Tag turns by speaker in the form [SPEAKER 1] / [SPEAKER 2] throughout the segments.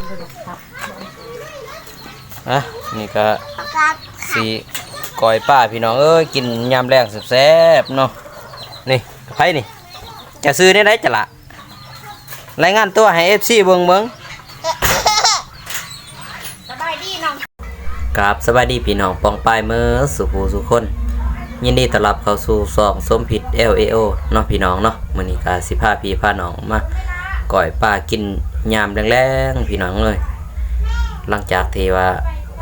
[SPEAKER 1] อ่ะนี่ก็สีก้อยป้าพี่น้องเอ้ยกินยำแรงแซ่บๆเนาะนี่ไผนี่จะซื้อได้จะละรายงานตัวให้ FC เบิ่ง
[SPEAKER 2] สบายดีน้อง
[SPEAKER 1] ครับสวัสดีพี่น้องปองปายมือสุขสุขคนยินดีต้อนรับเข้าสู่ซองส้มผิด LAO เนาะพี่น้องเนาะมื้อนี้ก็สิพาพี่พาน้องมาก้อยป้ากินยำแรงๆพี่น้องเลยหลังจากที่ว่า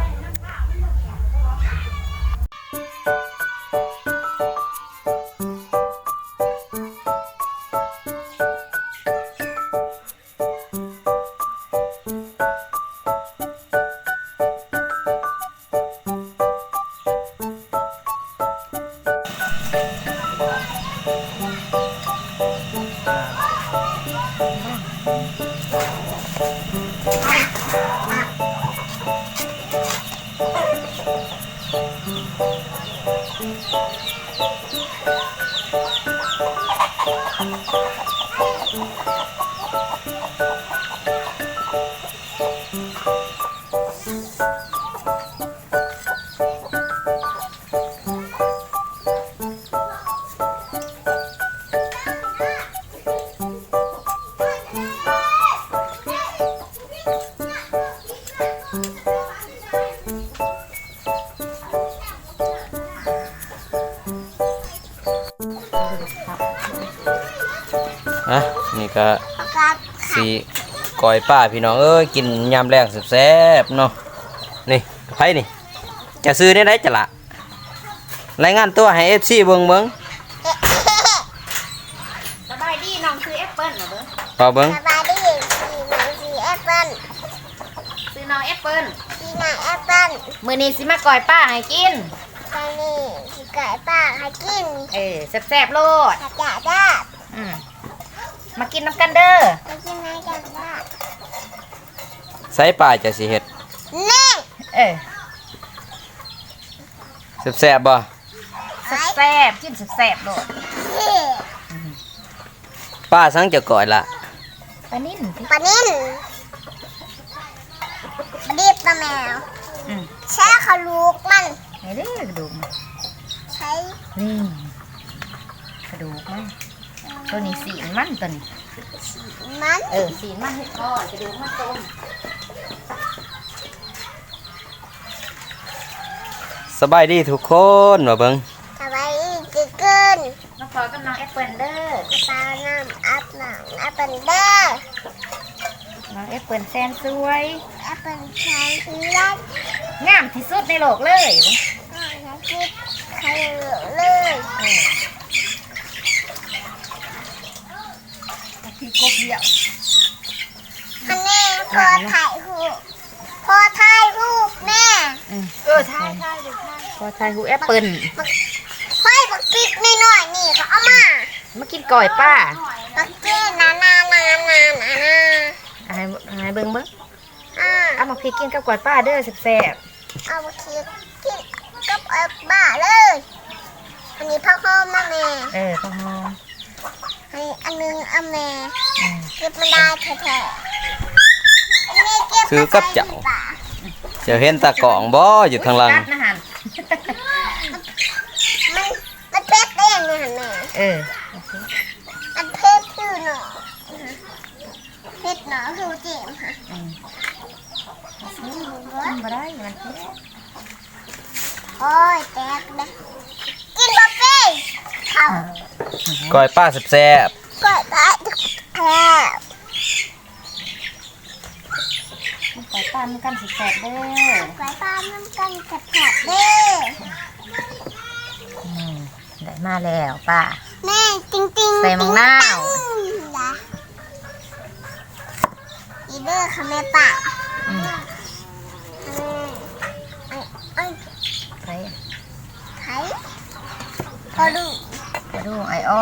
[SPEAKER 1] นี่ก็สีก้อยป้าพี่น้องเอ้ยกินยำแรงแซ่บๆเนาะนี่ไผนี่จะซื้อได้จะละรายงานตัวให้ FC เบิ่ง
[SPEAKER 2] สบายดีน้องซื้อแอปเปิ้ลเหรอ
[SPEAKER 1] พอเบิ่ง
[SPEAKER 3] สบายดีซื้อแอปเปิ้ล
[SPEAKER 2] ซื้อน้องแอปเปิ้ล
[SPEAKER 3] ซื้อน้องแอปเปิ้ล
[SPEAKER 2] มื้อนี้สิมาก่อยป้าให้กิน
[SPEAKER 3] ตอนนี้สิไก่ป้าให้กิน
[SPEAKER 2] แซ่บๆโลด
[SPEAKER 3] จะได้
[SPEAKER 2] มากินน้ำกันเด้อ
[SPEAKER 3] มากินไหมจะได้
[SPEAKER 1] ใส่ป้าจะสิเฮ็ด
[SPEAKER 3] นี่
[SPEAKER 1] แซ่บๆบ่
[SPEAKER 2] แซ่บกินแซ่บๆโลด
[SPEAKER 1] ป้าสั่งจะก่อยละ
[SPEAKER 2] ปลานิ่น
[SPEAKER 3] รีบตะแมวใช้เขาลูกมัน
[SPEAKER 2] ไหนเด้อกระดูกมัน
[SPEAKER 3] ใช้
[SPEAKER 2] นี่กระดูกมันตัวนี้สีมันตัวนี้สีมันให้ทอดกระดูกมันต้ม
[SPEAKER 1] สบายดีทุกคนมาเบิ่ง
[SPEAKER 3] สบายดีจิเกิน
[SPEAKER 2] น้องพลอยกับน้องแอปเปิ้ลเด้อ
[SPEAKER 3] ตาน้ำอัพหนังแอปเปิ้ลเด้อ
[SPEAKER 2] น้องแอปเปิ้ลแสนสวย
[SPEAKER 3] แอปเปิ้ลใช้เล็ก
[SPEAKER 2] งามที่สุดในโลกเลย
[SPEAKER 3] ใครเลย
[SPEAKER 2] พี่กบเดียว
[SPEAKER 3] อันนี้พอถ่ายรูปแม่
[SPEAKER 2] ถ่ายพอถ่ายรูปแอปเปิ้ล
[SPEAKER 3] ค่อยบักกิ๊กน้อยนี่เขาเอา
[SPEAKER 2] มากินก่อยป้า
[SPEAKER 3] บักกิ๊กนา
[SPEAKER 2] ให้เบิ่งเอามาพี่กินกับก่อยป้าเด้อแซ่บ
[SPEAKER 3] เอาบักกิ๊กกินกับบ้าเลยอันนี้พ่อพ่อมาแม่
[SPEAKER 2] พ่อพ่อ
[SPEAKER 3] อันนึงเอาแม่เก็บมันได้แท้
[SPEAKER 1] ซื้อกับเจ้าจะเห็นตะกองบ่อยู่ข้างหลัง
[SPEAKER 3] มันเพชรได้ยังไงแม่มันเพชรคือหนอเพชรหนอคือเจ็บค่ะ
[SPEAKER 2] มาได้มัน
[SPEAKER 3] โอ้ยแตกเลยกินบะเป้ข้าว
[SPEAKER 1] ก้อยป้าแซ่บ
[SPEAKER 3] ก้อยป้าแซ่บ
[SPEAKER 2] ก่อยป้ามันกันแซ่บเด้อ
[SPEAKER 3] ก่อยป้ามันกันแซ่บเด้อ
[SPEAKER 2] ได้มาแล้วป้า
[SPEAKER 3] แม่จริง
[SPEAKER 2] ใส่มังนาว
[SPEAKER 3] อีเด้อค่ะแม่ป้าไข่พอ
[SPEAKER 2] ดูไออ้อ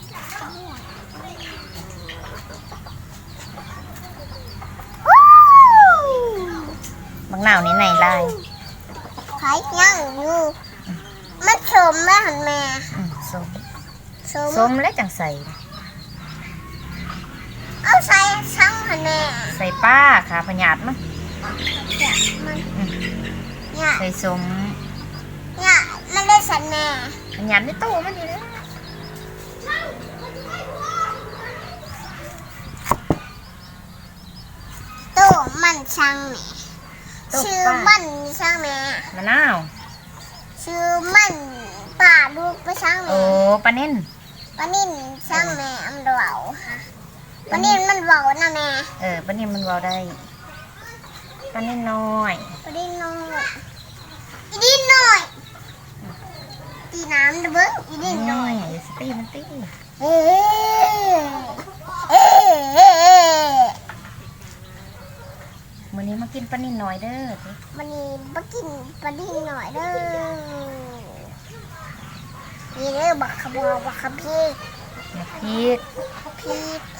[SPEAKER 2] มังนาวนี่ไหนลาย
[SPEAKER 3] ไข่ย่างอยู่มันสมไหมหันแม่
[SPEAKER 2] ส้มแล้วจังใส่
[SPEAKER 3] เอาใส่ช่างหันแม่
[SPEAKER 2] ใส่ป้าขาพญาตมั้ง
[SPEAKER 3] เนี่ยมันเนี่ย
[SPEAKER 2] ใส่สม
[SPEAKER 3] เนี่ยมันได้สันแม่
[SPEAKER 2] พญาตในตู้มันนี่เลย
[SPEAKER 3] ตู้มันช่างแม่ชื่อมันช่างแม่
[SPEAKER 2] มะนาว
[SPEAKER 3] ชื่อมันป่าลูกไปช่าง
[SPEAKER 2] โอ้
[SPEAKER 3] แม่
[SPEAKER 2] ปลาเน่น
[SPEAKER 3] ปนินช่างแม่อันเบาค่ะปนินมันเบานะแม่
[SPEAKER 2] ปลาเน่นมันเบาได้ปลาเน่นน้อย
[SPEAKER 3] ปนินน้อยอีดินน้อยตีน้ำนะเบิ้งอีดินน้อย
[SPEAKER 2] อย่าสตีมันตี
[SPEAKER 3] เอ๊ะเอ๊ะเอ๊ะ
[SPEAKER 2] มื้อนี้มากินปลาเน่นน้อยเด้อ
[SPEAKER 3] มันนี่มากินปนินหน่อยเด้อนี่เด้อบักขบบักขพี
[SPEAKER 2] อย่าพีด
[SPEAKER 3] พี